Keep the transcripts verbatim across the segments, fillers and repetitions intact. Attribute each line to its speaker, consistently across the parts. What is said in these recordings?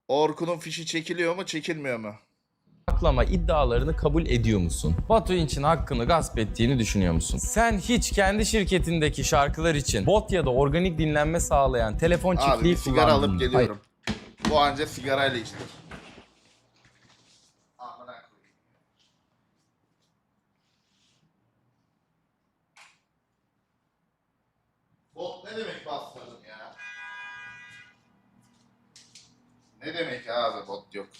Speaker 1: Orkun'un fişi çekiliyor mu, çekilmiyor mu?
Speaker 2: Saklama iddialarını kabul ediyor musun? Batu İnç'in hakkını gasp ettiğini düşünüyor musun? Sen hiç kendi şirketindeki şarkılar için bot ya da organik dinlenme sağlayan telefon
Speaker 1: Abi
Speaker 2: çiftliği
Speaker 1: bir sigara
Speaker 2: kullandın
Speaker 1: alıp
Speaker 2: mı?
Speaker 1: geliyorum. Bu anca sigarayla içtir. Amına koyayım. Bot ne demek bastırdım ya? Ne demek abi bot yok?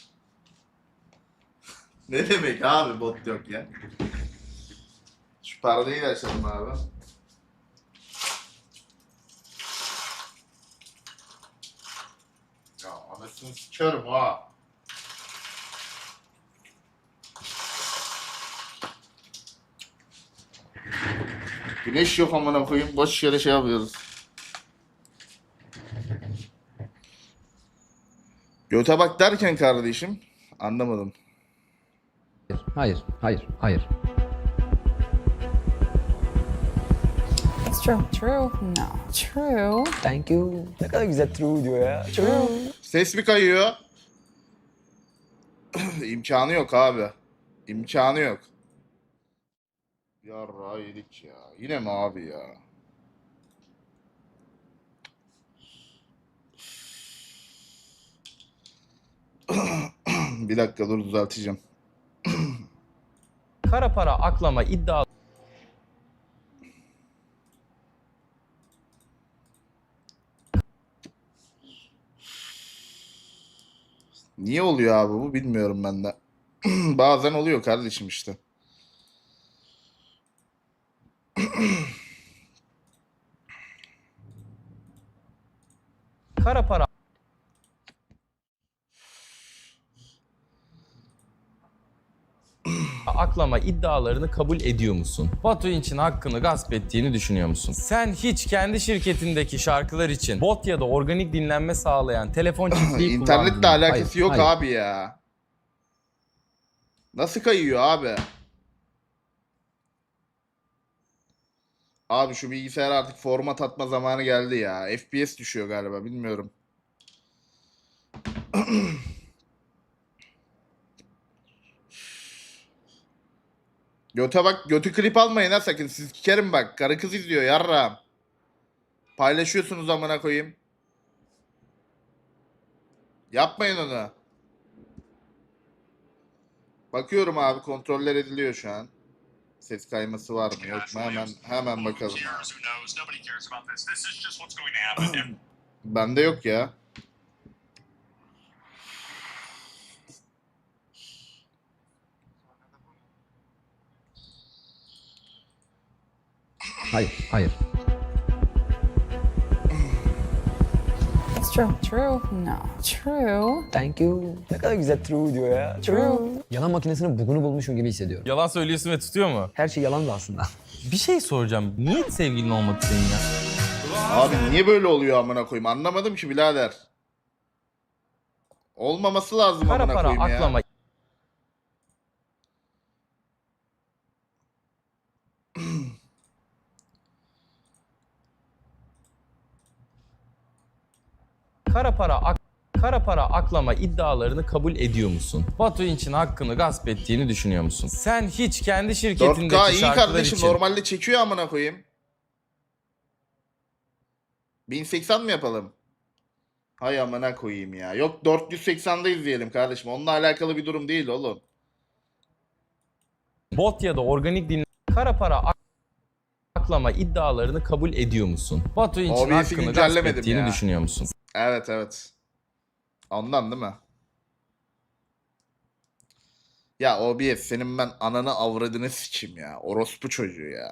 Speaker 1: Ne demek abi bot yok ya? Şu perdeyi de açalım abi. Ya anasını sikerim ha. Güneş yok amına koyayım. Boş yere şey yapıyoruz. Göte bak derken kardeşim anlamadım.
Speaker 3: Hayır, hayır, hayır.
Speaker 4: It's true. True? No. True.
Speaker 3: Thank you. Ne kadar güzel true diyor ya. True.
Speaker 1: Ses mi kayıyor? İmkanı yok abi. İmkanı yok. Yarra yedik ya. Yine mi abi ya? Bir dakika dur düzelteceğim.
Speaker 2: Kara para aklama iddia
Speaker 1: Niye oluyor abi bu bilmiyorum ben de. Bazen oluyor kardeşim işte.
Speaker 2: kara para aklama iddialarını kabul ediyor musun? Batu İnç'in hakkını gasp ettiğini düşünüyor musun? Sen hiç kendi şirketindeki şarkılar için bot ya da organik dinlenme sağlayan telefon çiftliği kullandın
Speaker 1: İnternetle
Speaker 2: mı?
Speaker 1: alakası
Speaker 3: Hayır,
Speaker 1: yok
Speaker 3: hayır.
Speaker 1: abi ya. Nasıl kayıyor abi? Abi şu bilgisayar artık format atma zamanı geldi ya. F P S düşüyor galiba bilmiyorum. Göte bak götü klip almayın ha sakın. Siz sikerim bak. Karı kız izliyor yarram. Paylaşıyorsunuz amına koyayım. Yapmayın onu. Bakıyorum abi kontroller ediliyor şu an. Ses kayması var mı yok mu hemen hemen bakalım. Bende yok ya.
Speaker 3: Hayır, hayır.
Speaker 4: It's true. True? No. True.
Speaker 3: Thank you. Ne kadar güzel true diyor ya.
Speaker 4: True.
Speaker 3: Yalan makinesinin bugünü bulmuşum gibi hissediyorum.
Speaker 2: Yalan söylüyorsun ve tutuyor mu?
Speaker 3: Her şey yalan da aslında.
Speaker 2: Bir şey soracağım. Niye sevgilin olmadı senin ya?
Speaker 1: Abi niye böyle oluyor amına koyayım anlamadım ki birader. Olmaması lazım
Speaker 2: Kara
Speaker 1: amına
Speaker 2: para
Speaker 1: koyayım ya.
Speaker 2: aklama Kara para ak Kara para aklama iddialarını kabul ediyor musun? Batu İnç'in hakkını gasp ettiğini düşünüyor musun? Sen hiç kendi
Speaker 1: dört
Speaker 2: şirketindeki
Speaker 1: K iyi
Speaker 2: şarkılar
Speaker 1: kardeşim
Speaker 2: için
Speaker 1: normalde çekiyor amına koyayım. bin seksen mi yapalım? Hay amına koyayım ya. Yok dört yüz seksende izleyelim kardeşim. Onunla alakalı bir durum değil oğlum.
Speaker 2: bot ya da organik dinle Kara para ak aklama iddialarını kabul ediyor musun? Batu İnç'in
Speaker 1: O B S'i
Speaker 2: hakkını gasp
Speaker 1: güncellemedim
Speaker 2: ettiğini
Speaker 1: ya.
Speaker 2: düşünüyor musun?
Speaker 1: Evet evet. Ondan değil mi? Ya O B S senin ben ananı avradını sikeyim ya. Orospu çocuğu ya.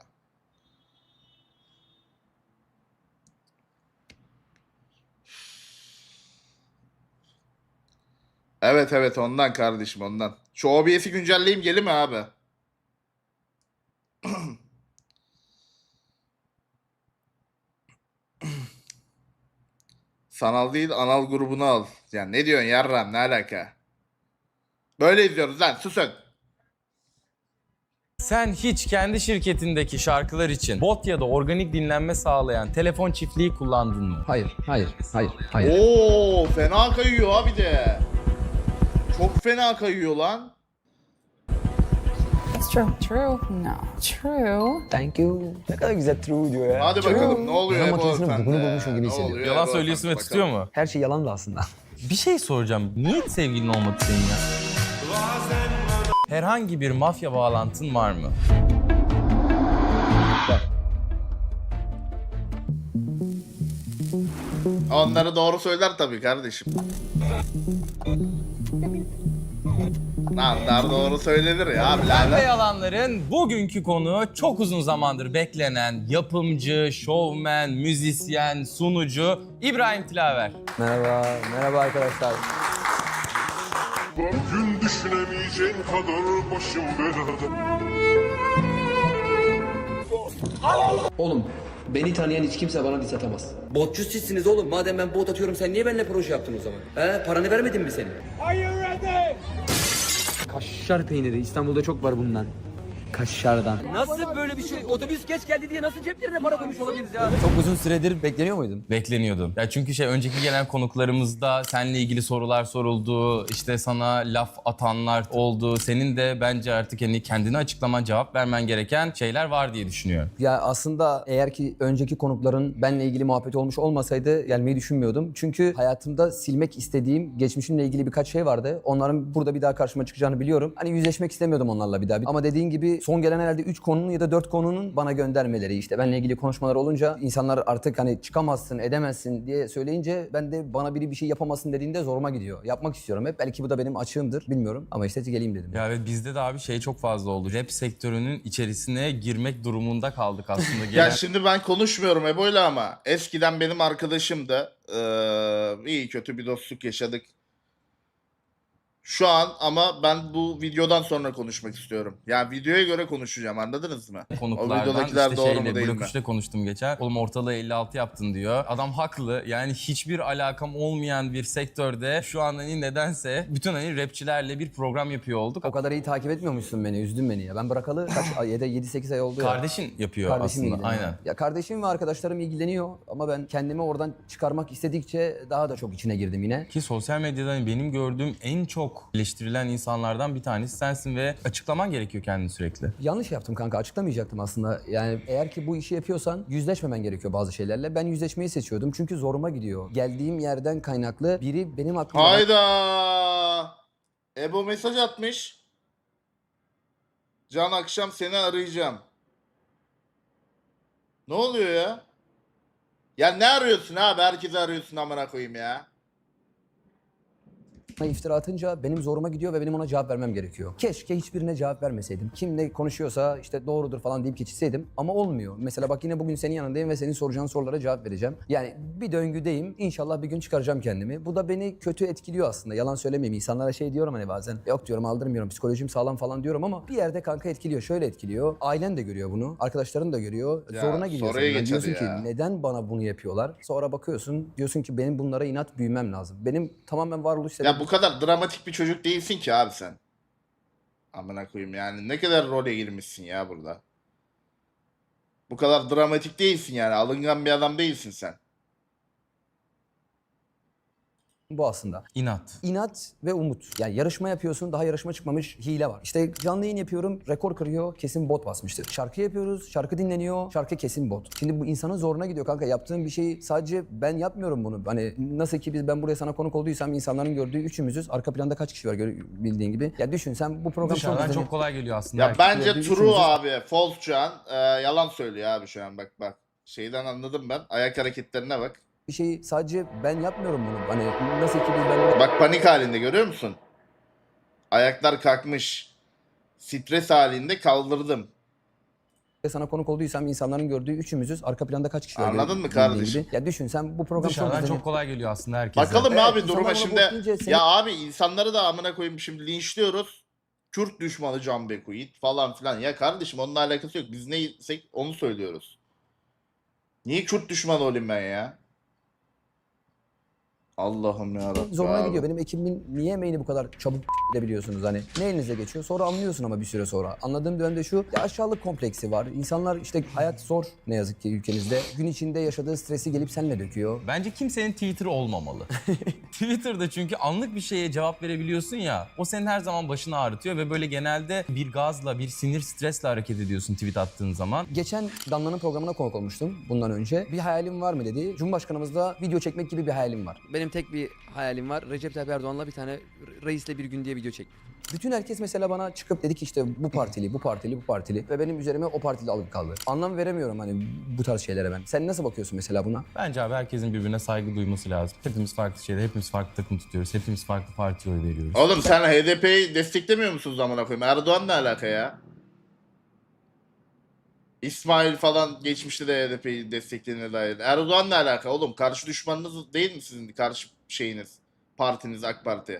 Speaker 1: Evet evet ondan kardeşim ondan. Şu O B S'i güncelleyeyim gelir mi abi? Sanal değil anal grubunu al. Ya ne diyorsun yarram ne alaka? Böyle izliyoruz lan susun.
Speaker 2: Sen hiç kendi şirketindeki şarkılar için bot ya da organik dinlenme sağlayan telefon çiftliği kullandın mı?
Speaker 3: Hayır, hayır, hayır, hayır.
Speaker 1: Oo fena kayıyor abi de. Çok fena kayıyor lan.
Speaker 4: That's true. True? No. True.
Speaker 3: Thank you. Ne kadar güzel true diyor ya.
Speaker 1: Hadi bakalım ne oluyor
Speaker 3: Yalan
Speaker 1: Ebo
Speaker 3: makinesinin
Speaker 1: sende?
Speaker 3: bugünü bulmuşum gibi
Speaker 1: Ne
Speaker 3: hissediyorum.
Speaker 1: oluyor
Speaker 2: Yalan
Speaker 1: Ebo
Speaker 2: söylüyorsun
Speaker 1: sende?
Speaker 2: ve tutuyor
Speaker 1: Bakalım.
Speaker 2: mu?
Speaker 3: Her şey yalan da aslında.
Speaker 2: Bir şey soracağım. Niye hiç sevgilin olmadı senin ya? Herhangi bir mafya bağlantın var mı?
Speaker 1: Onları doğru söyler tabii kardeşim. Onlar doğru söylenir ya
Speaker 2: Pembe
Speaker 1: birader.
Speaker 2: Yalanlar'ın bugünkü konu çok uzun zamandır beklenen yapımcı, şovmen, müzisyen, sunucu İbrahim Tilaver.
Speaker 3: Merhaba, merhaba arkadaşlar.
Speaker 5: Gün düşünemeyeceğin kadar başım belada.
Speaker 6: Oğlum beni tanıyan hiç kimse bana diss atamaz. Botçu sizsiniz oğlum. Madem ben bot atıyorum sen niye benimle proje yaptın o zaman? He? Paranı vermedin mi senin? Kaşar peyniri. İstanbul'da çok var bundan.
Speaker 3: Kaşardan.
Speaker 6: Nasıl böyle bir şey? Otobüs geç geldi diye nasıl ceplerine para koymuş olabiliriz ya?
Speaker 3: Çok uzun süredir bekleniyor muydun?
Speaker 2: Bekleniyordun. Ya çünkü şey önceki gelen konuklarımızda seninle ilgili sorular soruldu. İşte sana laf atanlar oldu. Senin de bence artık hani kendini açıklaman, cevap vermen gereken şeyler var diye düşünüyorum.
Speaker 3: Ya aslında eğer ki önceki konukların benle ilgili muhabbet olmuş olmasaydı gelmeyi düşünmüyordum. Çünkü hayatımda silmek istediğim, geçmişimle ilgili birkaç şey vardı. Onların burada bir daha karşıma çıkacağını biliyorum. Hani yüzleşmek istemiyordum onlarla bir daha. Ama dediğin gibi son gelen herhalde üç konunun ya da dört konunun bana göndermeleri, işte benle ilgili konuşmalar olunca insanlar artık hani çıkamazsın, edemezsin diye söyleyince ben de bana biri bir şey yapamazsın dediğinde zoruma gidiyor. Yapmak istiyorum hep. Belki bu da benim açığımdır, bilmiyorum. Ama işte geleyim dedim.
Speaker 2: Ya evet bizde de abi şey çok fazla oldu. Rap sektörünün içerisine girmek durumunda kaldık aslında.
Speaker 1: Ya
Speaker 2: Gelen...
Speaker 1: şimdi ben konuşmuyorum Ebo'yla ama eskiden benim arkadaşımdı. Ee, iyi kötü bir dostluk yaşadık. Şu an ama ben bu videodan sonra konuşmak istiyorum. Yani videoya göre konuşacağım, anladınız mı? O
Speaker 2: konuklardan
Speaker 1: videodakiler
Speaker 2: işte
Speaker 1: doğru
Speaker 2: şeyle
Speaker 1: mu değil
Speaker 2: Blok
Speaker 1: mi?
Speaker 2: üçte konuştum geçen. Oğlum ortalığı elli altı yaptın diyor. Adam haklı. Yani hiçbir alakam olmayan bir sektörde şu an hani nedense bütün hani rapçilerle bir program yapıyor olduk.
Speaker 3: O kadar iyi takip etmiyormuşsun beni, üzdün beni ya. Ben bırakalı kaç ay, yedi sekiz ay oldu ya.
Speaker 2: Kardeşin yapıyor
Speaker 3: Kardeşim
Speaker 2: aslında.
Speaker 3: ilgileniyor.
Speaker 2: Aynen.
Speaker 3: Ya kardeşim ve arkadaşlarım ilgileniyor ama ben kendimi oradan çıkarmak istedikçe daha da çok içine girdim yine.
Speaker 2: Ki sosyal medyada hani benim gördüğüm en çok eleştirilen insanlardan bir tanesi sensin ve açıklaman gerekiyor kendini sürekli.
Speaker 3: Yanlış yaptım kanka, açıklamayacaktım aslında. Yani eğer ki bu işi yapıyorsan yüzleşmemen gerekiyor bazı şeylerle. Ben yüzleşmeyi seçiyordum çünkü zoruma gidiyor. Geldiğim yerden kaynaklı biri benim hakkımda...
Speaker 1: Hayda! Ebo mesaj atmış. Can akşam seni arayacağım. Ne oluyor ya? Ya ne arıyorsun abi? Herkesi arıyorsun amına koyayım ya.
Speaker 3: iftira atınca benim zoruma gidiyor ve benim ona cevap vermem gerekiyor. Keşke hiçbirine cevap vermeseydim. Kim ne konuşuyorsa işte doğrudur falan deyip geçitseydim ama olmuyor. Mesela bak yine bugün senin yanındayım ve senin soracağın sorulara cevap vereceğim. Yani bir döngüdeyim. İnşallah bir gün çıkaracağım kendimi. Bu da beni kötü etkiliyor aslında. Yalan söylemeyeyim. İnsanlara şey diyorum hani bazen. Yok diyorum, aldırmıyorum. Psikolojim sağlam falan diyorum ama bir yerde kanka etkiliyor. Şöyle etkiliyor. Ailen de görüyor bunu. Arkadaşların da görüyor.
Speaker 1: Ya,
Speaker 3: Zoruna gidiyor.
Speaker 1: soruya
Speaker 3: senin.
Speaker 1: geç
Speaker 3: Diyorsun
Speaker 1: hadi
Speaker 3: ki
Speaker 1: ya.
Speaker 3: neden bana bunu yapıyorlar? Sonra bakıyorsun. Diyorsun ki benim bunlara inat büyümem lazım. Benim tamamen varoluş sebebim.
Speaker 1: Ya bu kadar dramatik bir çocuk değilsin ki abi sen. Amına koyayım yani ne kadar role girmişsin ya burada. Bu kadar dramatik değilsin yani, alıngan bir adam değilsin sen.
Speaker 3: Bu aslında.
Speaker 2: İnat.
Speaker 3: İnat ve umut. Yani yarışma yapıyorsun, daha yarışma çıkmamış, hile var. İşte canlı yayın yapıyorum, rekor kırıyor, kesin bot basmıştır. Şarkı yapıyoruz, şarkı dinleniyor, şarkı kesin bot. Şimdi bu insanın zoruna gidiyor kanka. Yaptığım bir şeyi sadece ben yapmıyorum bunu. Hani nasıl ki biz ben buraya sana konuk olduysam insanların gördüğü üçümüzüz. Arka planda kaç kişi var gör- bildiğin gibi. Ya düşün sen bu program çok
Speaker 2: Dışarıdan
Speaker 3: izleniyor.
Speaker 2: çok kolay geliyor aslında.
Speaker 1: Ya
Speaker 2: Herkes
Speaker 1: bence
Speaker 3: gördüğü
Speaker 1: True
Speaker 3: üçümüzü-
Speaker 1: abi, false şu an. Ee, yalan söylüyor abi şu an, bak bak. Şeyden anladım ben. Ayak hareketlerine bak.
Speaker 3: Bir şeyi sadece ben yapmıyorum bunu. Hani nasıl ki biz ben buraya
Speaker 1: Bak panik halinde, görüyor musun? Ayaklar kalkmış. Stres halinde kaldırdım.
Speaker 3: sana konuk olduysam insanların gördüğü üçümüzüz. Arka planda kaç kişi var
Speaker 1: Anladın
Speaker 3: gör-
Speaker 1: mı
Speaker 3: bildiğin
Speaker 1: kardeşim?
Speaker 3: gibi. Ya düşün sen bu program çok
Speaker 2: Dışarıdan
Speaker 3: izleniyor.
Speaker 2: çok kolay geliyor aslında herkese.
Speaker 1: Bakalım
Speaker 3: Evet,
Speaker 1: abi
Speaker 3: insanlar
Speaker 1: duruma
Speaker 3: bana
Speaker 1: şimdi.
Speaker 3: bot deyince seni-
Speaker 1: Ya abi insanları da amına koyayım şimdi linçliyoruz. Kürt düşmanı Can Bekuit falan filan. Ya kardeşim onunla alakası yok. Biz neysek onu söylüyoruz. Niye Kürt düşmanı olayım ben ya? Allah'ım yarabbim.
Speaker 3: Zoruna
Speaker 1: abi.
Speaker 3: gidiyor. Benim ekibimin niye emeğini bu kadar çabuk edebiliyorsunuz hani? Ne elinize geçiyor? Sonra anlıyorsun ama bir süre sonra. Anladığım dönemde şu, ya aşağılık kompleksi var. İnsanlar işte hayat zor ne yazık ki ülkemizde. Gün içinde yaşadığı stresi gelip seninle döküyor.
Speaker 2: Bence kimsenin Twitter olmamalı. Twitter'da çünkü anlık bir şeye cevap verebiliyorsun ya, o senin her zaman başını ağrıtıyor ve böyle genelde bir gazla, bir sinir, stresle hareket ediyorsun tweet attığın zaman.
Speaker 3: Geçen Damla'nın programına konuk olmuştum bundan önce. Bir hayalim var mı dedi. Cumhurbaşkanımızla video çekmek gibi bir hayalim var.
Speaker 6: Benim tek bir hayalim var. Recep Tayyip Erdoğan'la bir tane reisle bir gün diye video çek.
Speaker 3: Bütün herkes mesela bana çıkıp dedi ki işte bu partili, bu partili, bu partili ve benim üzerime o partili alıp kaldı. Anlam veremiyorum hani bu tarz şeylere ben. Sen nasıl bakıyorsun mesela buna?
Speaker 2: Bence abi herkesin birbirine saygı duyması lazım. Hepimiz farklı şeyler, hepimiz farklı takım tutuyoruz, hepimiz farklı partiye oy veriyoruz.
Speaker 1: Oğlum sen H D P'yi desteklemiyor musunuz amına koyayım? Erdoğan ne alaka ya? İsmail falan geçmişte de H D P'yi desteklediğine dair. Erdoğan ne alaka oğlum? Karşı düşmanınız değil mi sizin karşı şeyiniz? Partiniz AK Parti.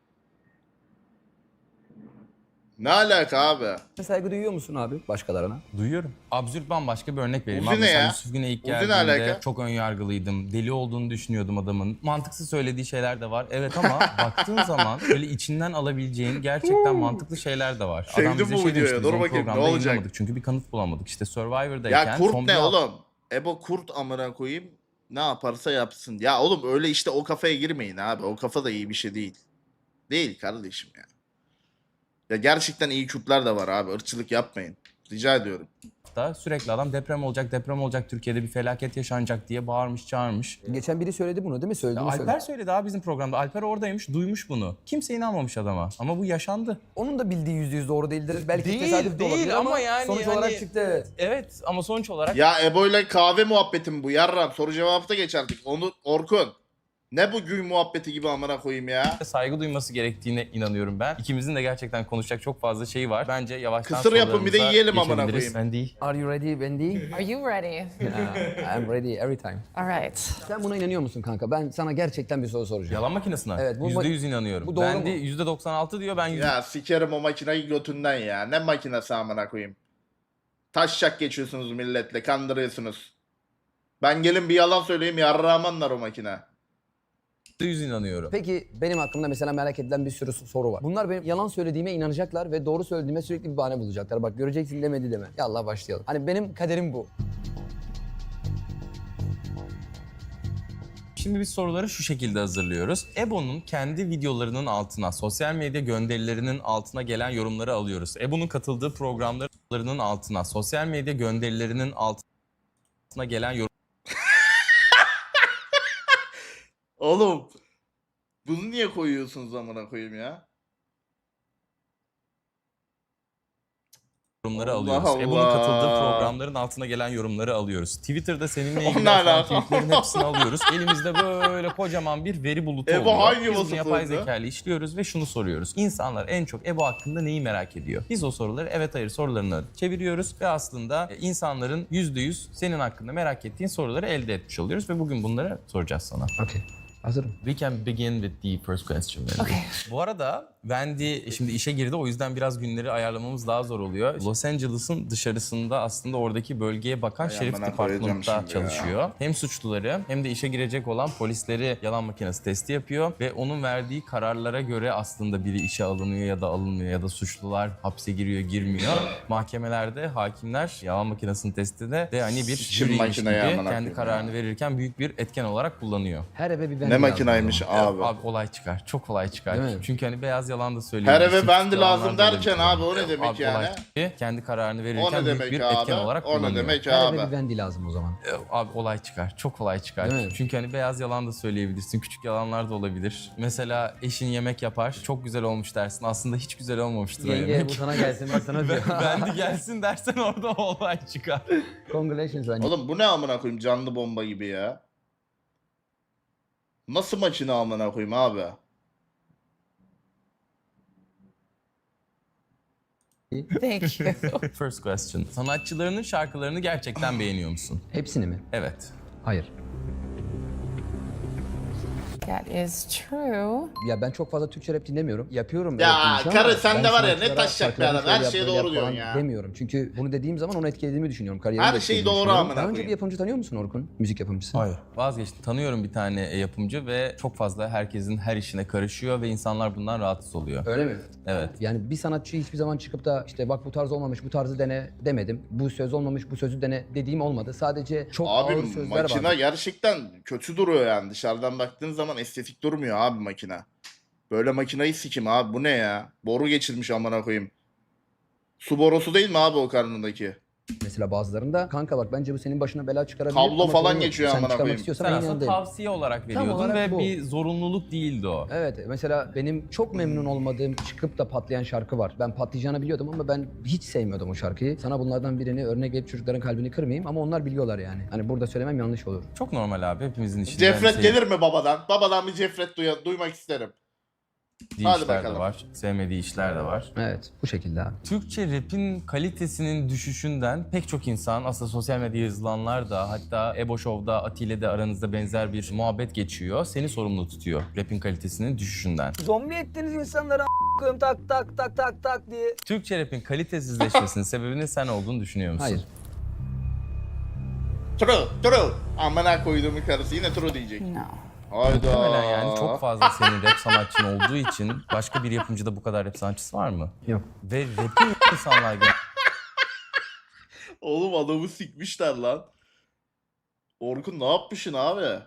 Speaker 1: Ne alaka abi?
Speaker 3: Saygı duyuyor musun abi başkalarına?
Speaker 2: Duyuyorum. Absürt bambaşka bir örnek vereyim.
Speaker 1: Uzi
Speaker 2: Abi
Speaker 1: ne
Speaker 2: mesela
Speaker 1: ya?
Speaker 2: Yusuf Güney ilk
Speaker 1: Uzi ne
Speaker 2: geldiğinde
Speaker 1: alaka?
Speaker 2: çok önyargılıydım. Deli olduğunu düşünüyordum adamın. Mantıksız söylediği şeyler de var. Evet ama baktığın zaman böyle içinden alabileceğin gerçekten mantıklı şeyler de var.
Speaker 1: Sevdim
Speaker 2: bize
Speaker 1: bu
Speaker 2: şey
Speaker 1: videoyu.
Speaker 2: demişti,
Speaker 1: Dur
Speaker 2: biz onu
Speaker 1: bakayım, ne
Speaker 2: programda
Speaker 1: olacak?
Speaker 2: yayınlamadık çünkü bir kanıt bulamadık. İşte Survivor'dayken...
Speaker 1: Ya kurt
Speaker 2: son
Speaker 1: ne
Speaker 2: bir hafta-
Speaker 1: oğlum? Ebo kurt amına koyayım. Ne yaparsa yapsın. Ya oğlum öyle işte o kafaya girmeyin abi. O kafa da iyi bir şey değil. Değil kardeşim ya. Ya gerçekten iyi kurtlar da var abi. Irkçılık yapmayın. Rica ediyorum.
Speaker 2: da sürekli adam deprem olacak, deprem olacak, Türkiye'de bir felaket yaşanacak diye bağırmış, çağırmış.
Speaker 3: Geçen biri söyledi bunu değil mi? Söyledi
Speaker 2: Ya
Speaker 3: mi?
Speaker 2: Alper
Speaker 3: Söyledi.
Speaker 2: söyledi abi bizim programda. Alper oradaymış, duymuş bunu. Kimse inanmamış adama. Ama bu yaşandı.
Speaker 3: Onun da bildiği yüzde yüz doğru değildir. Belki
Speaker 2: Değil,
Speaker 3: tesadüf de
Speaker 2: değil
Speaker 3: olabilir ama,
Speaker 2: ama yani
Speaker 3: sonuç
Speaker 2: hani-
Speaker 3: olarak çıktı evet.
Speaker 2: Evet ama sonuç olarak
Speaker 1: Ya Ebo ile kahve muhabbeti mi bu? Yarram soru cevapta geçerdik. Onu Orkun. Ne bu gül muhabbeti gibi amına koyayım ya?
Speaker 2: saygı duyması gerektiğine inanıyorum ben. İkimizin de gerçekten konuşacak çok fazla şeyi var. Bence yavaştan
Speaker 1: Kısır yapın, bir de
Speaker 2: sorularımıza
Speaker 1: yiyelim amına
Speaker 2: geçebiliriz.
Speaker 1: koyayım.
Speaker 2: Ben değil.
Speaker 3: Are you ready Wendy?
Speaker 4: Are you ready?
Speaker 3: Yeah, I'm ready every time.
Speaker 4: All right.
Speaker 3: Sen buna inanıyor musun kanka? Ben sana gerçekten bir soru soracağım.
Speaker 2: Yalan makinesine.
Speaker 3: Evet, bu
Speaker 2: Yüzde
Speaker 3: ma-
Speaker 2: yüz inanıyorum.
Speaker 3: bu doğru
Speaker 2: ben
Speaker 3: mu?
Speaker 2: de yüzde doksan altı diyor, ben yüzde...
Speaker 1: Ya sikerim o makineyi götünden ya. Ne makinesi amına koyayım? Taşşak geçiyorsunuz milletle, kandırıyorsunuz. Ben gelin bir yalan söyleyeyim, yarrağmanlar o makine.
Speaker 2: yüz inanıyorum.
Speaker 3: Peki benim hakkımda mesela merak edilen bir sürü soru var. Bunlar benim yalan söylediğime inanacaklar ve doğru söylediğime sürekli bir bahane bulacaklar. Bak göreceksin demedi deme. Yallah başlayalım. Hani benim kaderim bu.
Speaker 2: Şimdi biz soruları şu şekilde hazırlıyoruz. Ebo'nun kendi videolarının altına, sosyal medya gönderilerinin altına gelen yorumları alıyoruz. Ebo'nun katıldığı programlarının altına, sosyal medya gönderilerinin altına gelen yorum
Speaker 1: Oğlum. Bunu niye koyuyorsunuz amına koyayım ya?
Speaker 2: yorumları
Speaker 1: Allah
Speaker 2: alıyoruz.
Speaker 1: Allah.
Speaker 2: Ebo'nun katıldığı programların altına gelen yorumları alıyoruz. Twitter'da seninle ilgili
Speaker 1: Onunla
Speaker 2: atılan
Speaker 1: alakalı.
Speaker 2: tweetlerin hepsini alıyoruz. Elimizde böyle kocaman bir veri bulutu
Speaker 1: Ebo
Speaker 2: oluyor.
Speaker 1: hangi
Speaker 2: Biz bunu
Speaker 1: vasıfı
Speaker 2: yapay
Speaker 1: oldu?
Speaker 2: zeka ile işliyoruz ve şunu soruyoruz. İnsanlar en çok Ebo hakkında neyi merak ediyor? Biz o soruları evet hayır sorularını çeviriyoruz ve aslında insanların yüzde yüz senin hakkında merak ettiğin soruları elde etmiş oluyoruz ve bugün bunları soracağız sana.
Speaker 3: Okey. Hazırım.
Speaker 2: We can begin with the first question. Wendy.
Speaker 4: Okay.
Speaker 2: Bu arada Wendy şimdi işe girdi, o yüzden biraz günleri ayarlamamız daha zor oluyor. Los Angeles'ın dışarısında aslında oradaki bölgeye bakan
Speaker 1: Ay,
Speaker 2: şerif
Speaker 1: amına koyacağım
Speaker 2: departmanında
Speaker 1: şimdi ya.
Speaker 2: çalışıyor. Hem suçluları hem de işe girecek olan polisleri yalan makinesi testi yapıyor ve onun verdiği kararlara göre aslında biri işe alınıyor ya da alınmıyor ya da suçlular hapse giriyor girmiyor. Mahkemelerde hakimler yalan makinesinin testinde de hani bir
Speaker 1: Sikim
Speaker 2: jüriymiş gibi
Speaker 1: makineye amına
Speaker 2: kendi
Speaker 1: koyayım
Speaker 2: kararını
Speaker 1: ya.
Speaker 2: verirken büyük bir etken olarak kullanıyor.
Speaker 3: Her eve bir ben
Speaker 1: Ne makinaymış abi.
Speaker 2: Abi olay çıkar. Çok olay çıkar.
Speaker 3: Değil mi?
Speaker 2: Çünkü hani beyaz yalan da
Speaker 1: Her
Speaker 2: söyleyebilirsin.
Speaker 1: eve bendi
Speaker 2: küçük
Speaker 1: lazım
Speaker 2: yalanlar da
Speaker 1: derken
Speaker 2: olabilir.
Speaker 1: abi o ne demek
Speaker 2: Abi
Speaker 1: yani?
Speaker 2: olay çıkar. Kendi kararını
Speaker 1: O
Speaker 2: verirken
Speaker 1: ne
Speaker 2: büyük
Speaker 1: demek
Speaker 2: bir
Speaker 1: abi?
Speaker 2: etken olarak
Speaker 1: O ne
Speaker 2: kullanıyor.
Speaker 1: demek
Speaker 3: Her eve
Speaker 1: abi?
Speaker 3: bir Wendy lazım o zaman.
Speaker 2: Abi olay çıkar. Çok olay çıkar.
Speaker 3: Değil mi?
Speaker 2: Çünkü hani beyaz yalan da söyleyebilirsin. Küçük yalanlar da olabilir. Mesela eşin yemek yapar. Çok güzel olmuş dersin. Aslında hiç güzel olmamıştır o
Speaker 3: Yenge
Speaker 2: yemek.
Speaker 3: bu sana gelsin ben sana diyor.
Speaker 2: Ben de gelsin dersen orada olay çıkar.
Speaker 3: Congratulations Wendy.
Speaker 1: Oğlum bu ne amına koyayım, canlı bomba gibi ya. Nasıl makine amına koyayım abi?
Speaker 4: Thank you.
Speaker 2: First question. Sanatçılarının şarkılarını gerçekten beğeniyor musun?
Speaker 3: Hepsini mi?
Speaker 2: Evet.
Speaker 3: Hayır.
Speaker 4: That is true.
Speaker 3: Ya ben çok fazla Türkçe rap dinlemiyorum. Yapıyorum.
Speaker 1: Ya
Speaker 3: rap dinleyeceğim
Speaker 1: karı
Speaker 3: ama
Speaker 1: sen
Speaker 3: ben
Speaker 1: de var ya, ne
Speaker 3: sanatçılara
Speaker 1: taşacak bir adam,
Speaker 3: şarkılarını
Speaker 1: her
Speaker 3: şöyle
Speaker 1: şeye
Speaker 3: yap, böyle
Speaker 1: doğru
Speaker 3: yap falan
Speaker 1: diyorsun ya.
Speaker 3: demiyorum. Çünkü bunu dediğim zaman onu etkilediğimi düşünüyorum. Kariyerimi
Speaker 1: Her
Speaker 3: de
Speaker 1: şey
Speaker 3: etkilediğimi
Speaker 1: doğru
Speaker 3: düşünüyorum.
Speaker 1: amına
Speaker 3: Daha önce
Speaker 1: koyayım.
Speaker 3: bir yapımcı tanıyor musun Orkun? Müzik yapımcısı.
Speaker 2: Hayır. Vazgeçtim. Tanıyorum bir tane e, yapımcı ve çok fazla herkesin her işine karışıyor ve insanlar bundan rahatsız oluyor.
Speaker 3: Öyle mi?
Speaker 2: Evet.
Speaker 3: Yani bir sanatçı hiçbir zaman çıkıp da işte bak bu tarz olmamış, bu tarzı dene demedim. Bu söz olmamış, bu sözü dene dediğim olmadı. Sadece çok
Speaker 1: Abi
Speaker 3: ağır sözler
Speaker 1: makine
Speaker 3: var.
Speaker 1: gerçekten kötü duruyor yani. Dışarıdan baktığın zaman estetik durmuyor abi makine. Böyle makinayı sikim abi, bu ne ya? Boru geçirmiş amına koyayım. Su borusu değil mi abi o karnındaki?
Speaker 3: Mesela bazılarında kanka bak bence bu senin başına bela çıkarabilir.
Speaker 1: Kablo
Speaker 3: ama
Speaker 1: falan
Speaker 3: sorun yok.
Speaker 1: geçiyor
Speaker 3: Sen
Speaker 1: amına
Speaker 3: çıkarmak
Speaker 1: koyayım.
Speaker 3: istiyorsan
Speaker 2: Sen
Speaker 3: ben
Speaker 2: aslında
Speaker 3: yanındayım.
Speaker 2: tavsiye olarak veriyordun
Speaker 3: olarak
Speaker 2: ve
Speaker 3: bu.
Speaker 2: bir zorunluluk değildi o.
Speaker 3: Evet mesela benim çok memnun olmadığım çıkıp da patlayan şarkı var. Ben patlayacağını biliyordum ama ben hiç sevmiyordum o şarkıyı. Sana bunlardan birini örnek verip çocukların kalbini kırmayayım ama onlar biliyorlar yani. Hani burada söylemem yanlış olur.
Speaker 2: Çok normal abi, hepimizin işinden
Speaker 1: Cefret
Speaker 2: sev-
Speaker 1: gelir mi babadan? Babadan bir cefret duya- duymak isterim.
Speaker 2: sevdiği
Speaker 1: Hadi
Speaker 2: işler de
Speaker 1: bakalım.
Speaker 2: var, sevmediği işler de var.
Speaker 3: Evet bu şekilde abi.
Speaker 2: Türkçe rap'in kalitesinin düşüşünden pek çok insan, aslında sosyal medya yazılanlar da, hatta Ebo Show'da Atile de aranızda benzer bir muhabbet geçiyor. Seni sorumlu tutuyor rap'in kalitesinin düşüşünden.
Speaker 7: Zombi ettiniz insanları a** koyayım tak tak tak tak tak diye.
Speaker 2: Türkçe rap'in kalitesizleşmesinin sebebinin sen olduğunu düşünüyor musun?
Speaker 3: Hayır.
Speaker 1: True, true. Amına koyduğumun karısı yine true diyecek.
Speaker 4: No.
Speaker 1: Hayda.
Speaker 2: Muhtemelen yani çok fazla senin rap sanatçın olduğu için başka bir yapımcıda bu kadar rap sanatçısı var mı?
Speaker 3: Yok.
Speaker 2: Ve rap'i insanlar gel-
Speaker 1: Oğlum adamı sikmişler lan. Orkun ne yapmışsın abi?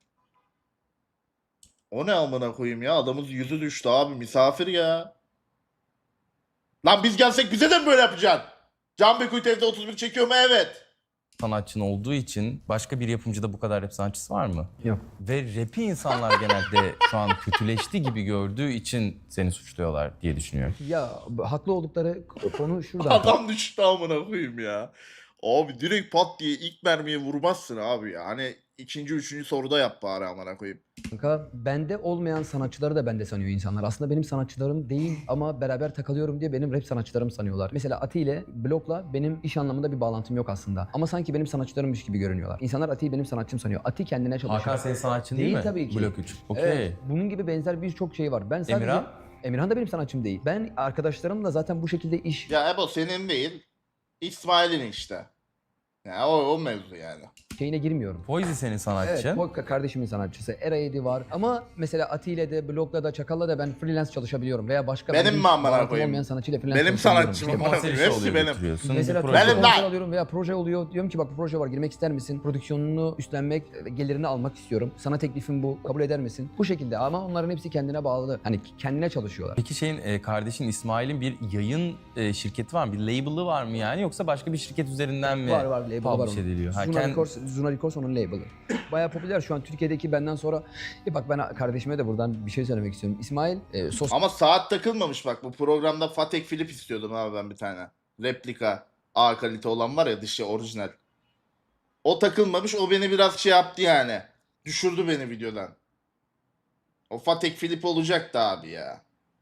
Speaker 1: O ne amına koyayım ya? Adamın yüzü düştü abi. Misafir ya. Lan biz gelsek bize de mi böyle yapacaksın? Can Bekuyt evde otuz bir çekiyor mu? Evet.
Speaker 2: sanatçın olduğu için başka bir yapımcıda bu kadar rap sanatçısı var mı?
Speaker 3: Yok.
Speaker 2: Ve rap'i insanlar genelde şu an kötüleşti gibi gördüğü için seni suçluyorlar diye düşünüyorum.
Speaker 3: Ya haklı oldukları konu şurada.
Speaker 1: Adam düştü amına koyayım ya. Abi direkt pat diye ilk mermiye vurmazsın abi ya. Hani ikinci, üçüncü soruda yap bari amına koyayım.
Speaker 3: Kanka bende olmayan sanatçıları da bende sanıyor insanlar. Aslında benim sanatçılarım değil ama beraber takılıyorum diye benim rap sanatçılarım sanıyorlar. Mesela Ati ile Blok'la benim iş anlamında bir bağlantım yok aslında. Ama sanki benim sanatçılarımmış gibi görünüyorlar. İnsanlar Ati'yi benim sanatçım sanıyor. Ati kendine çalışıyor.
Speaker 2: Hakan senin sanatçın değil,
Speaker 3: Değil
Speaker 2: mi?
Speaker 3: tabii ki.
Speaker 2: Blok üç. Okey.
Speaker 3: Evet, bunun gibi benzer birçok şey var. Ben sadece...
Speaker 2: Emirhan?
Speaker 3: Emirhan da benim sanatçım değil. Ben arkadaşlarımla zaten bu şekilde iş
Speaker 1: Ya Ebo senin değil. İsmail'in işte. Ya o, o mevzu yani.
Speaker 3: şeyine girmiyorum.
Speaker 2: Poizi senin
Speaker 3: Evet,
Speaker 2: sanatçın.
Speaker 3: Polka kardeşimin sanatçısı. Era yedi var. Ama mesela Ati ile de, Blok'la da, Çakal'la da ben freelance çalışabiliyorum. Veya başka
Speaker 1: Benim
Speaker 3: ben
Speaker 1: mi
Speaker 3: hiç
Speaker 1: amına
Speaker 3: bağlantım
Speaker 1: koyayım?
Speaker 3: olmayan sanatçıyla freelance
Speaker 1: Benim
Speaker 3: çalışabiliyorum.
Speaker 1: sanatçım
Speaker 3: İşte
Speaker 1: amına
Speaker 2: Konser
Speaker 1: koyayım.
Speaker 2: işi
Speaker 1: Hepsi
Speaker 2: oluyor,
Speaker 1: benim.
Speaker 2: götürüyorsun.
Speaker 3: Mesela
Speaker 2: Bir
Speaker 3: Türkçe
Speaker 2: proje-
Speaker 1: Benim lan!
Speaker 3: konser alıyorum veya proje oluyor. Diyorum ki bak bu proje var girmek ister misin? Prodüksiyonunu üstlenmek, gelirini almak istiyorum. Sana teklifim bu. Kabul eder misin? Bu şekilde ama onların hepsi kendine bağlı. Hani kendine çalışıyorlar.
Speaker 2: Peki şeyin e, kardeşin İsmail'in bir yayın e, şirketi var mı? Bir label'ı var mı yani? Yoksa başka bir şirket üzerinden mi
Speaker 3: Var var label'ı var
Speaker 2: publish
Speaker 3: onun.
Speaker 2: ediliyor? Ha,
Speaker 3: Zuna
Speaker 2: kend-
Speaker 3: Records, Zuna Records onun label'ı. Bayağı popüler şu an Türkiye'deki benden sonra. E bak ben kardeşime de buradan bir şey söylemek istiyorum. İsmail e, sos
Speaker 1: Ama saat takılmamış bak. Bu programda Patek Philippe istiyordum abi ben bir tane. Replika A kalite olan var ya, dışı orijinal. O takılmamış. O beni biraz şey yaptı yani. Düşürdü beni videodan. O Patek Philippe olacaktı abi ya.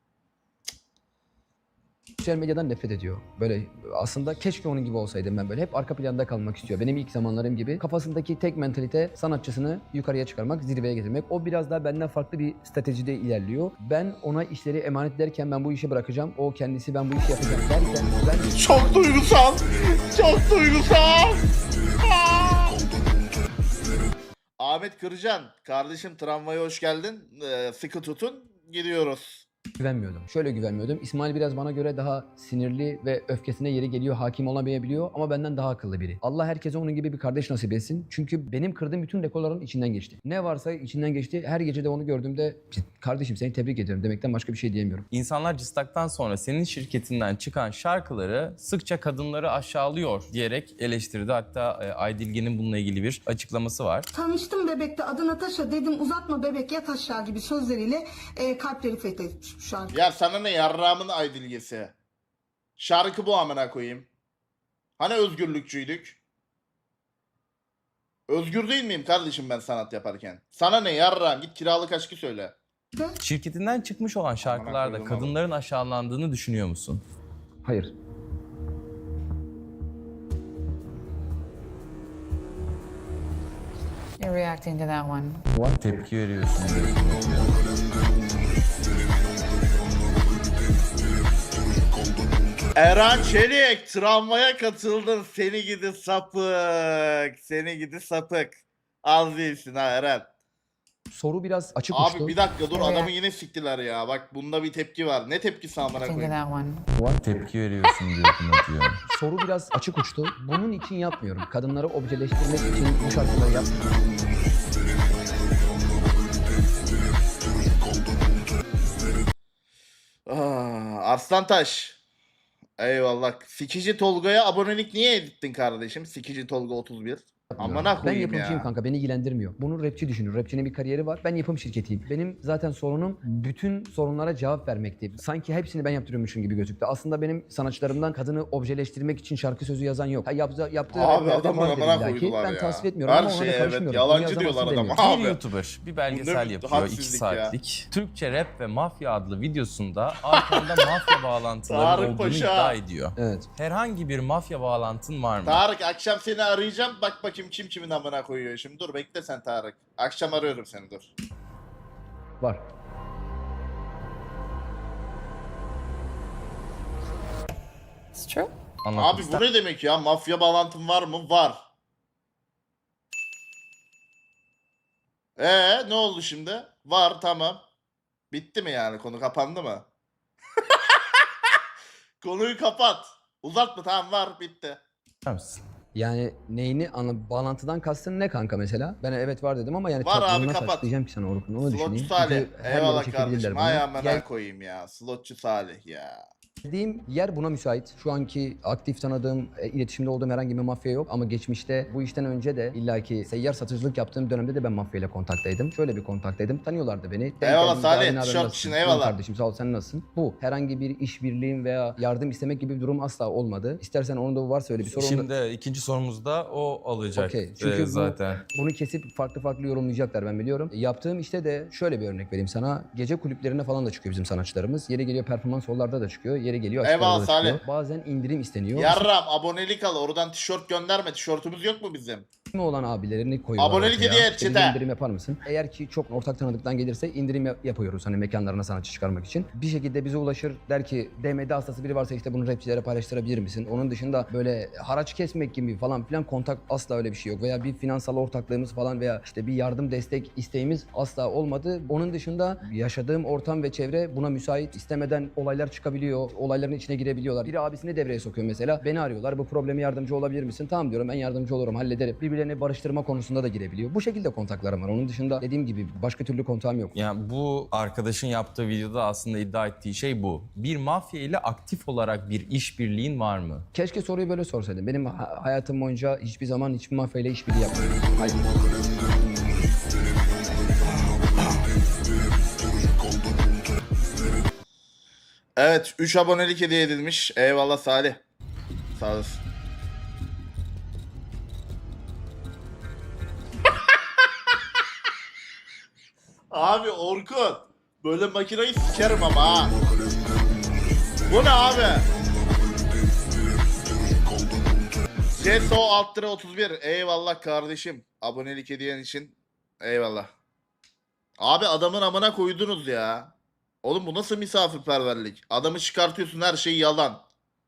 Speaker 3: sosyal medyadan nefret ediyor. Böyle aslında keşke onun gibi olsaydım ben böyle. Hep arka planda kalmak istiyor. Benim ilk zamanlarım gibi. Kafasındaki tek mentalite sanatçısını yukarıya çıkarmak, zirveye getirmek. O biraz daha benden farklı bir stratejide ilerliyor. Ben ona işleri emanet derken ben bu işi bırakacağım. O kendisi ben bu işi yapacağım derken ben...
Speaker 1: Çok duygusal. Çok duygusal. Aa! Ahmet Kırcan. Kardeşim tramvaya hoş geldin. Ee, sıkı tutun. Gidiyoruz.
Speaker 3: güvenmiyordum. Şöyle güvenmiyordum. İsmail biraz bana göre daha sinirli ve öfkesine yeri geliyor, hakim olamayabiliyor ama benden daha akıllı biri. Allah herkese onun gibi bir kardeş nasip etsin. Çünkü benim kırdığım bütün rekorların içinden geçti. Ne varsa içinden geçti. Her gece de onu gördüğümde kardeşim seni tebrik ediyorum demekten başka bir şey diyemiyorum.
Speaker 2: İnsanlar Cıstak'tan sonra senin şirketinden çıkan şarkıları sıkça kadınları aşağılıyor diyerek eleştirdi. Hatta e, Aydilge'nin bununla ilgili bir açıklaması var.
Speaker 8: Tanıştım bebekte adı Natasha dedim uzatma bebek yat aşağı gibi sözleriyle e, kalpleri fethetmiş bu şarkı.
Speaker 1: Ya sana ne yarrağımın aydilgesi. Şarkı bu amına koyayım. Hani özgürlükçüydük? Özgür değil miyim kardeşim ben sanat yaparken? Sana ne yarrağım, git kiralık aşkı söyle.
Speaker 2: Şirketinden çıkmış olan şarkılarda
Speaker 1: koydum
Speaker 2: kadınların aşağılandığını düşünüyor musun?
Speaker 3: Hayır.
Speaker 4: you're reacting to that one.
Speaker 2: Tepki veriyorsun diyor.
Speaker 1: Eren Çelik travmaya katıldın. Seni gidi sapık. Seni gidi sapık. Az değilsin ha Eren.
Speaker 3: Soru biraz açık
Speaker 1: Abi
Speaker 3: uçtu.
Speaker 1: bir dakika dur
Speaker 4: Evet.
Speaker 1: adamı yine siktiler ya. Bak bunda bir tepki var. Ne tepkisi amına
Speaker 4: Reacting to
Speaker 1: koyayım?
Speaker 4: that one.
Speaker 2: Tepki veriyorsun diyor. diyor.
Speaker 3: Soru biraz açık uçtu. Bunun için yapmıyorum. Kadınları objeleştirmek için bu şarkıları yapmıyorum.
Speaker 1: Aa, Arslantaş. Eyvallah. Sikici Tolga'ya abonelik niye ettin kardeşim? Sikici Tolga otuz bir. Amına
Speaker 3: Ben
Speaker 1: koyayım
Speaker 3: yapımcıyım
Speaker 1: ya.
Speaker 3: kanka, beni ilgilendirmiyor. Bunu rapçi düşünür. Rapçinin bir kariyeri var. Ben yapım şirketiyim. Benim zaten sorunum bütün sorunlara cevap vermekti. Sanki hepsini ben yaptırıyormuşum gibi gözüktü. Aslında benim sanatçılarımdan kadını objeleştirmek için şarkı sözü yazan yok. Ha, yaptı, yaptığı
Speaker 1: Abi
Speaker 3: raplerde
Speaker 1: adamı
Speaker 3: vardır
Speaker 1: amına
Speaker 3: illaki.
Speaker 1: koydular
Speaker 3: Ben
Speaker 1: ya.
Speaker 3: tasvip etmiyorum
Speaker 1: Her
Speaker 3: ama ona
Speaker 1: şeye
Speaker 3: da
Speaker 1: evet,
Speaker 3: karışmıyorum.
Speaker 1: yalancı
Speaker 3: Bunu
Speaker 1: diyorlar
Speaker 3: yazamazsın
Speaker 1: adama.
Speaker 3: demiyorum.
Speaker 2: Bir
Speaker 1: Abi.
Speaker 2: YouTuber bir
Speaker 1: Bu
Speaker 2: belgesel
Speaker 1: ne
Speaker 2: yapıyor iki
Speaker 1: hadsizlik ya.
Speaker 2: saatlik. Türkçe rap ve mafya adlı videosunda arkanda mafya bağlantıları
Speaker 1: Tarık
Speaker 2: olduğunu
Speaker 1: Paşa.
Speaker 2: iddia ediyor.
Speaker 3: Evet.
Speaker 2: Herhangi bir mafya bağlantın var mı?
Speaker 1: Tarık akşam seni arayacağım. Bak bakayım kim kimin amına koyuyor şimdi. Dur bekle sen Tarık. Akşam arıyorum seni dur.
Speaker 3: Var.
Speaker 4: It's true.
Speaker 2: Anlatmak
Speaker 1: Abi
Speaker 2: ister
Speaker 1: bu ne demek ya? Mafya bağlantın var mı? Var. Ee ne oldu şimdi? Var tamam. Bitti mi yani? Konu kapandı mı? Konuyu kapat. Uzatma tamam var bitti.
Speaker 2: misin?
Speaker 3: Yani neyini anla, bağlantıdan kastın ne kanka mesela? Ben evet var dedim ama yani
Speaker 1: Var
Speaker 3: tat-
Speaker 1: abi,
Speaker 3: bunu nasıl
Speaker 1: kapat.
Speaker 3: açıklayacağım ki sana Orkun, onu
Speaker 1: Slotçu
Speaker 3: düşüneyim.
Speaker 1: Salih.
Speaker 3: Çünkü her yere
Speaker 1: Eyvallah
Speaker 3: çekebilirler
Speaker 1: kardeşim.
Speaker 3: bunu.
Speaker 1: Ay amına
Speaker 3: Gel-
Speaker 1: koyayım ya. Slotçu Salih ya.
Speaker 3: Dediğim yer buna müsait. Şu anki aktif tanıdığım, e, iletişimde olduğum herhangi bir mafya yok. Ama geçmişte bu işten önce de illaki seyyar satıcılık yaptığım dönemde de ben mafyayla kontaktaydım. Şöyle bir kontaktaydım. Tanıyorlardı beni. Denk
Speaker 1: Eyvallah
Speaker 3: geldim,
Speaker 1: Salih,
Speaker 3: "Abi ne haber,
Speaker 1: tişört
Speaker 3: nasılsın?"
Speaker 1: için eyvallah.
Speaker 3: "İyiyim kardeşim sağ ol, sen nasılsın?" Bu. Herhangi bir işbirliğim veya yardım istemek gibi bir durum asla olmadı. İstersen onun da varsa öyle bir sorun.
Speaker 2: Şimdi ikinci sorumuzda o alacak
Speaker 3: Okey.
Speaker 2: e,
Speaker 3: Çünkü bu-
Speaker 2: zaten.
Speaker 3: Bunu kesip farklı farklı yorumlayacaklar ben biliyorum. E, Yaptığım işte de şöyle bir örnek vereyim sana. Gece kulüplerine falan da çıkıyor bizim sanatçılarımız. Yeri geliyor performans hollarda da çıkıyor. Yeri geliyor açık
Speaker 1: Eyvallah
Speaker 3: havada da çıkıyor.
Speaker 1: Salih.
Speaker 3: Bazen indirim isteniyor.
Speaker 1: Yarram abonelik al. Oradan tişört gönderme. Tişörtümüz yok mu bizim?
Speaker 3: İsmi olan abilerini koyuyorlar.
Speaker 1: Abonelik
Speaker 3: ortaya.
Speaker 1: hediye et
Speaker 3: İşte bir
Speaker 1: çete.
Speaker 3: indirim yapar mısın? Eğer ki çok ortak tanıdıktan gelirse indirim yap- yapıyoruz hani mekanlarına sanatçı çıkarmak için. Bir şekilde bize ulaşır der ki D M D hastası biri varsa işte bunu rapçilere paylaştırabilir misin? Onun dışında böyle haraç kesmek gibi falan filan kontak asla öyle bir şey yok. Veya bir finansal ortaklığımız falan veya işte bir yardım destek isteğimiz asla olmadı. Onun dışında yaşadığım ortam ve çevre buna müsait. İstemeden olaylar çıkabiliyor. Olayların içine girebiliyorlar. Biri abisini devreye sokuyor mesela. Beni arıyorlar. Bu probleme yardımcı olabilir misin? Tamam diyorum, ben yardımcı olurum, hallederim. Birbirlerini barıştırma konusunda da girebiliyor. Bu şekilde kontaklarım var. Onun dışında dediğim gibi başka türlü kontağım yok.
Speaker 2: Yani bu arkadaşın yaptığı videoda aslında iddia ettiği şey bu. Bir mafya ile aktif olarak bir işbirliğin var mı?
Speaker 3: Keşke soruyu böyle sorsaydın. Benim ha- hayatım boyunca hiçbir zaman hiçbir mafyayla işbirliği yapmadım. Hayır.
Speaker 1: Evet üç abonelik hediye edilmiş. Eyvallah Salih. Sağ olasın. Abi Orkun. Böyle makinayı sikerim ama ha. Bu ne abi? Ceso alt lira otuz bir. Eyvallah kardeşim. Abonelik hediyen için. Eyvallah. Abi adamın amına koydunuz ya. Oğlum bu nasıl misafirperverlik? Adamı çıkartıyorsun her şey yalan.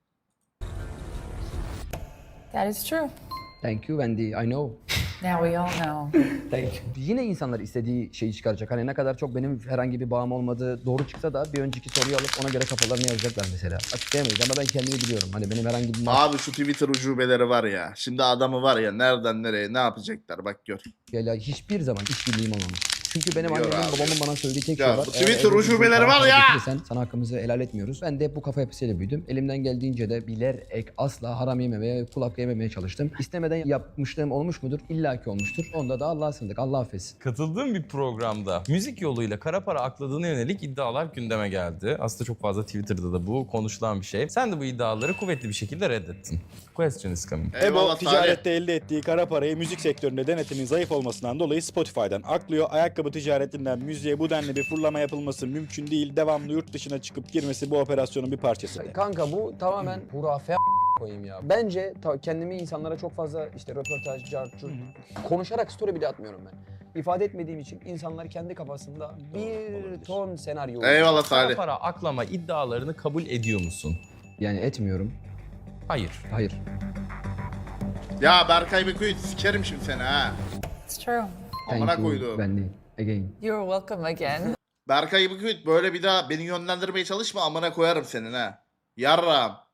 Speaker 4: That is true.
Speaker 3: Thank you Wendy. I know.
Speaker 4: Now we all know.
Speaker 3: Thank you. Yine insanlar istediği şeyi çıkaracak. Hani ne kadar çok benim herhangi bir bağım olmadığı doğru çıksa da bir önceki soruyu alıp ona göre kafalarını yazacaklar mesela. Açıklayamayız ama ben kendimi biliyorum. Hani benim herhangi bir
Speaker 1: Abi şu Twitter ucubeleri var ya. Şimdi adamı var ya nereden nereye ne yapacaklar bak gör.
Speaker 3: mafyayla hiçbir zaman işbirliğim olmamış. Çünkü benim
Speaker 1: Biliyor
Speaker 3: annemin
Speaker 1: abi.
Speaker 3: babamın bana söylediği tek
Speaker 1: Ya
Speaker 3: şey var.
Speaker 1: bu
Speaker 3: Eğer
Speaker 1: Twitter
Speaker 3: evde
Speaker 1: ucubeleri
Speaker 3: düzgün
Speaker 1: var
Speaker 3: para
Speaker 1: ya!
Speaker 3: getirirsen sana hakkımızı helal etmiyoruz. Ben de hep bu kafa yapısıyla büyüdüm. Elimden geldiğince de bilerek asla haram yememeye, kul hakkı yememeye çalıştım. İstemeden yapmışlığım olmuş mudur? İlla ki olmuştur. Onda da Allah'a sığındık. Allah affetsin.
Speaker 2: Katıldığım bir programda müzik yoluyla kara para akladığına yönelik iddialar gündeme geldi. Aslında çok fazla Twitter'da da bu konuşulan bir şey. Sen de bu iddiaları kuvvetli bir şekilde reddettin. Question is coming.
Speaker 9: Ebo
Speaker 1: Eyvallah Salih.
Speaker 9: ticarette elde ettiği kara parayı müzik sektöründe denetimin zayıf olmasından dolayı Spotify'dan aklıyor. Ayakkabı ticaretinden müziğe bu denli bir fırlama yapılması mümkün değil. Devamlı yurt dışına çıkıp girmesi bu operasyonun bir parçası.
Speaker 3: Kanka bu tamamen hurafe koyayım ya. Bence ta- kendimi insanlara çok fazla işte röportaj, cartçur, konuşarak story bile atmıyorum ben. İfade etmediğim için insanlar kendi kafasında bir ton senaryo
Speaker 1: Eyvallah
Speaker 2: Kara
Speaker 1: Salih.
Speaker 2: para aklama iddialarını kabul ediyor musun?
Speaker 3: Yani etmiyorum.
Speaker 2: Hayır.
Speaker 3: Hayır.
Speaker 1: Ya Berkay Beku'yu sikerim şimdi seni ha.
Speaker 4: It's true.
Speaker 1: Amına
Speaker 3: Thank you.
Speaker 1: koydum.
Speaker 3: Ben değil. Again.
Speaker 4: You're welcome again.
Speaker 1: Berkay Beku'yu böyle bir daha beni yönlendirmeye çalışma, amına koyarım senin ha. Yarram.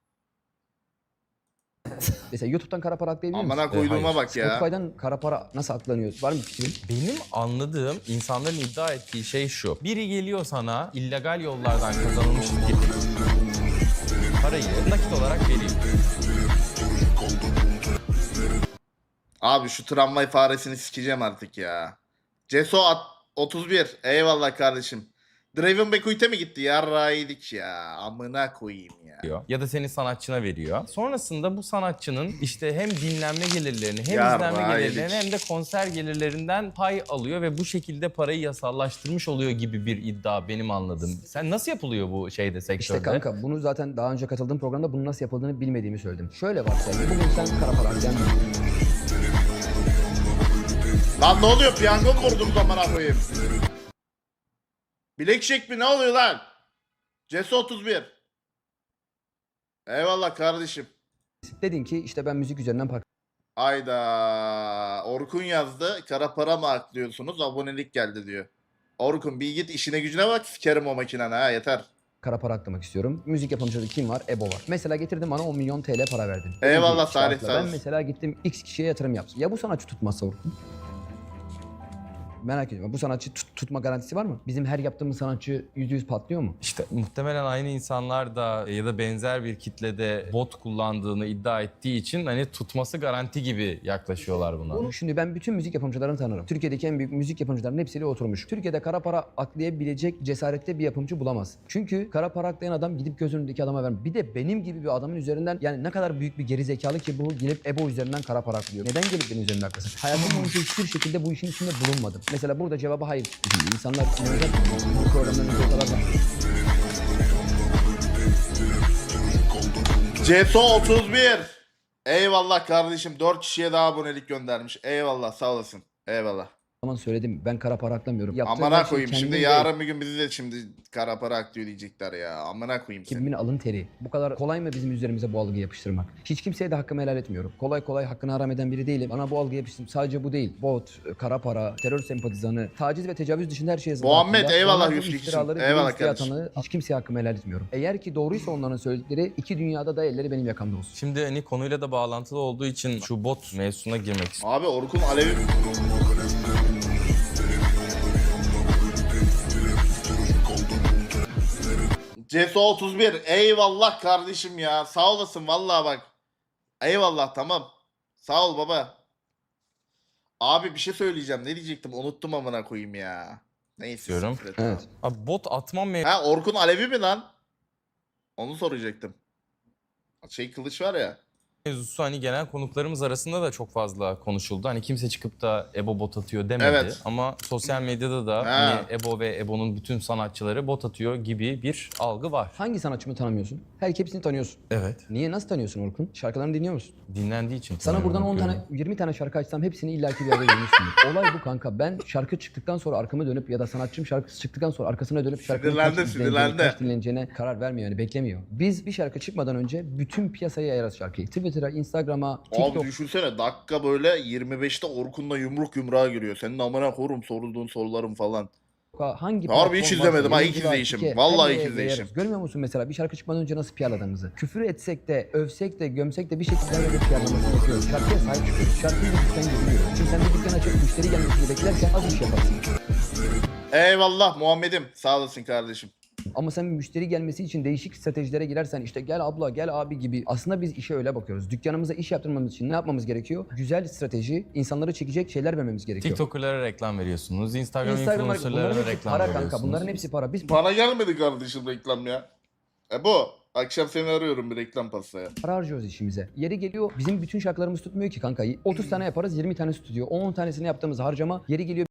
Speaker 3: Mesela YouTube'dan kara para aklayabilir misin?
Speaker 1: Amına koyduğuma
Speaker 2: hayır.
Speaker 1: bak ya.
Speaker 3: Spotify'dan kara para nasıl aklanıyor? Var mı bir fikrin?
Speaker 2: Benim anladığım insanların iddia ettiği şey şu. Biri geliyor sana illegal yollardan kazanılmış parayı nakit olarak veriyor.
Speaker 1: Abi şu tramvay faresini sikeceğim artık ya. Ceso at otuz bir. Eyvallah kardeşim. Draven Bekuit'e mi gitti? Yarrağıydık ya. Amına koyayım ya.
Speaker 2: Diyor. Ya da senin sanatçına veriyor. Sonrasında bu sanatçının işte hem dinlenme gelirlerini hem
Speaker 1: Ya
Speaker 2: izlenme
Speaker 1: vay
Speaker 2: gelirlerini
Speaker 1: yedik.
Speaker 2: hem de konser gelirlerinden pay alıyor ve bu şekilde parayı yasallaştırmış oluyor gibi bir iddia benim anladığım. Sen nasıl yapılıyor bu şeyde sektörde?
Speaker 3: İşte kanka bunu zaten daha önce katıldığım programda bunun nasıl yapıldığını bilmediğimi söyledim. Şöyle varsayalım. Bugün sen kara para aklayan birisin.
Speaker 1: Lan ne oluyor? Piyango mu vurdunuz amına koyayım? Bilekşek mi? Ne oluyor lan? Ceso otuz bir. Eyvallah kardeşim.
Speaker 3: Dedin ki işte ben müzik üzerinden para
Speaker 1: Ayda. Orkun yazdı. Kara para mı aklıyorsunuz? Abonelik geldi diyor. Orkun bir git işine gücüne bak. Sikerim o makineni ha, yeter.
Speaker 3: kara para aklamak istiyorum. Müzik yapımcıda kim var? Ebo var. Mesela getirdim bana on milyon T L para verdin.
Speaker 1: Eyvallah
Speaker 3: Belli bir
Speaker 1: Salih,
Speaker 3: şartla
Speaker 1: sağ
Speaker 3: Ben
Speaker 1: olasın.
Speaker 3: mesela gittim X kişiye yatırım yaptım. Ya bu sanatçı tutmazsa Orkun? Merak ediyorum. Bu sanatçı tut- tutma garantisi var mı? Bizim her yaptığımız sanatçı yüzde yüz patlıyor mu?
Speaker 2: İşte muhtemelen aynı insanlar da ya da benzer bir kitlede bot kullandığını iddia ettiği için hani tutması garanti gibi yaklaşıyorlar buna.
Speaker 3: Şimdi ben bütün müzik yapımcılarını tanırım. Türkiye'deki en büyük müzik yapımcılarının hepsiyle oturmuş. Türkiye'de kara para aklayabilecek cesarette bir yapımcı bulamaz. Çünkü kara para aklayan adam gidip göz önündeki adama vermez. Bir de benim gibi bir adamın üzerinden yani ne kadar büyük bir geri zekalı ki bu gelip Ebo üzerinden kara para aklıyor. Neden gelip benim üzerimden aklasın? Hayatım boyunca hiçbir şekilde bu işin içinde bulunmadım. Mesela burada cevabı hayır. İnsanlar inanacak bu programdan önce o kadar da...
Speaker 1: Ceso otuz bir. Eyvallah kardeşim. dört kişiye daha abonelik göndermiş. Eyvallah, sağ olasın. Eyvallah.
Speaker 3: zaman söyledim. Ben kara para aklamıyorum. Yaptığım
Speaker 1: Amına
Speaker 3: her şey
Speaker 1: koyayım şimdi
Speaker 3: kendim ve
Speaker 1: yarın bir gün bizi de şimdi kara para aklıyor diyecekler ya. Amına koyayım seni.
Speaker 3: ekibimin alın teri. Bu kadar kolay mı bizim üzerimize bu algıyı yapıştırmak? Hiç kimseye de hakkımı helal etmiyorum. Kolay kolay hakkını haram eden biri değilim. Bana bu algıyı yapıştırdım. Sadece bu değil. Bot, kara para, terör sempatizanı, taciz ve tecavüz dışında her şey yazılı.
Speaker 1: Muhammed,
Speaker 3: hakkında.
Speaker 1: eyvallah
Speaker 3: Onlar bu
Speaker 1: yüz kişi.
Speaker 3: iftiraları
Speaker 1: Eyvallah
Speaker 3: dile iftira
Speaker 1: kardeşim.
Speaker 3: atanı hiç kimseye hakkımı helal etmiyorum. Eğer ki doğruysa onların söyledikleri iki dünyada da elleri benim yakamda olsun.
Speaker 2: Şimdi hani konuyla da bağlantılı olduğu için şu bot mevzusuna girmek istiyorum.
Speaker 1: Abi Orkun Alevi... Ceso otuz bir. Eyvallah kardeşim ya. Sağ olasın vallahi bak. Eyvallah, tamam. Sağ ol baba. Abi bir şey söyleyeceğim. Ne diyecektim? Unuttum amına koyayım ya. Neyse.
Speaker 2: Diyorum.
Speaker 1: siktir et,
Speaker 3: Evet.
Speaker 1: tamam.
Speaker 2: Abi bot atmam
Speaker 1: Ha Orkun Alevi mi lan? Onu soracaktım. Şey kılıç var ya.
Speaker 2: mevzusu hani gelen konuklarımız arasında da çok fazla konuşuldu. Hani kimse çıkıp da Ebo bot atıyor demedi.
Speaker 1: Evet.
Speaker 2: Ama sosyal medyada da
Speaker 1: Ha.
Speaker 2: hani Ebo ve Ebo'nun bütün sanatçıları bot atıyor gibi bir algı var.
Speaker 3: Hangi sanatçımı tanımıyorsun? Her hepsini tanıyorsun.
Speaker 2: Evet.
Speaker 3: Niye? Nasıl tanıyorsun Orkun? Şarkılarını dinliyor musun?
Speaker 2: Dinlendiği için.
Speaker 3: Sana
Speaker 2: tanıyorum,
Speaker 3: buradan on
Speaker 2: bakıyorum.
Speaker 3: tane, yirmi tane şarkı açsam hepsini illaki bir yerde görmüşsündür. Olay bu kanka. Ben şarkı çıktıktan sonra arkamı dönüp ya da sanatçım şarkısı çıktıktan sonra arkasına dönüp şarkının
Speaker 1: Sinirlendi,
Speaker 3: kaç izleneceğini,
Speaker 1: sinirlendi.
Speaker 3: kaç dinleneceğine karar vermiyor yani beklemiyor. Biz bir şarkı çıkmadan önce bütün piyasaya yayarız şarkıyı. Twitter'a, Instagram'a,
Speaker 1: Abi
Speaker 3: TikTok'a,
Speaker 1: düşünsene dakika böyle yirmi beşte Orkun'la yumruk yumruğa giriyor. Senin amına korum sorduğun sorularım falan.
Speaker 3: hangi
Speaker 1: Harbi hiç
Speaker 3: platform
Speaker 1: izlemedim
Speaker 3: varsa,
Speaker 1: ha, ilk
Speaker 3: yayıncı var,
Speaker 1: izleyişim.
Speaker 3: Tike,
Speaker 1: Vallahi
Speaker 3: her
Speaker 1: ilk
Speaker 3: yere
Speaker 1: izleyişim.
Speaker 3: yayarız. Görmüyor musun mesela bir şarkı çıkmadan önce nasıl P R'ladığımızı? Küfür etsek de, övsek de, gömsek de bir şekilde her yerde P R'lamasını yapıyoruz. Şarkıya sahip çıkıyoruz. Şarkıyı bir dükkan gibi görüyoruz. Şimdi sen bir dükkan açıp müşteri gelmesini beklerken az iş yaparsın.
Speaker 1: Eyvallah Muhammed'im. Sağ olasın kardeşim.
Speaker 3: Ama sen bir müşteri gelmesi için değişik stratejilere girersen işte gel abla gel abi gibi aslında biz işe öyle bakıyoruz. Dükkanımıza iş yaptırmamız için ne yapmamız gerekiyor? Güzel strateji, insanları çekecek şeyler vermemiz gerekiyor.
Speaker 2: TikTok'lara reklam veriyorsunuz. Instagram,
Speaker 3: Instagram bunların
Speaker 2: influencer'lara
Speaker 3: hepsi
Speaker 2: reklam
Speaker 3: para
Speaker 2: veriyorsunuz.
Speaker 3: kanka. Bunların hepsi para. Biz
Speaker 1: Bana gelmedi kardeşim reklam ya. E bu. Akşam seni arıyorum bir reklam pastaya.
Speaker 3: para harcıyoruz işimize. Yeri geliyor bizim bütün şarkılarımız tutmuyor ki kanka. otuz tane yaparız yirmi tane tutuyor. on tanesini yaptığımız harcama yeri geliyor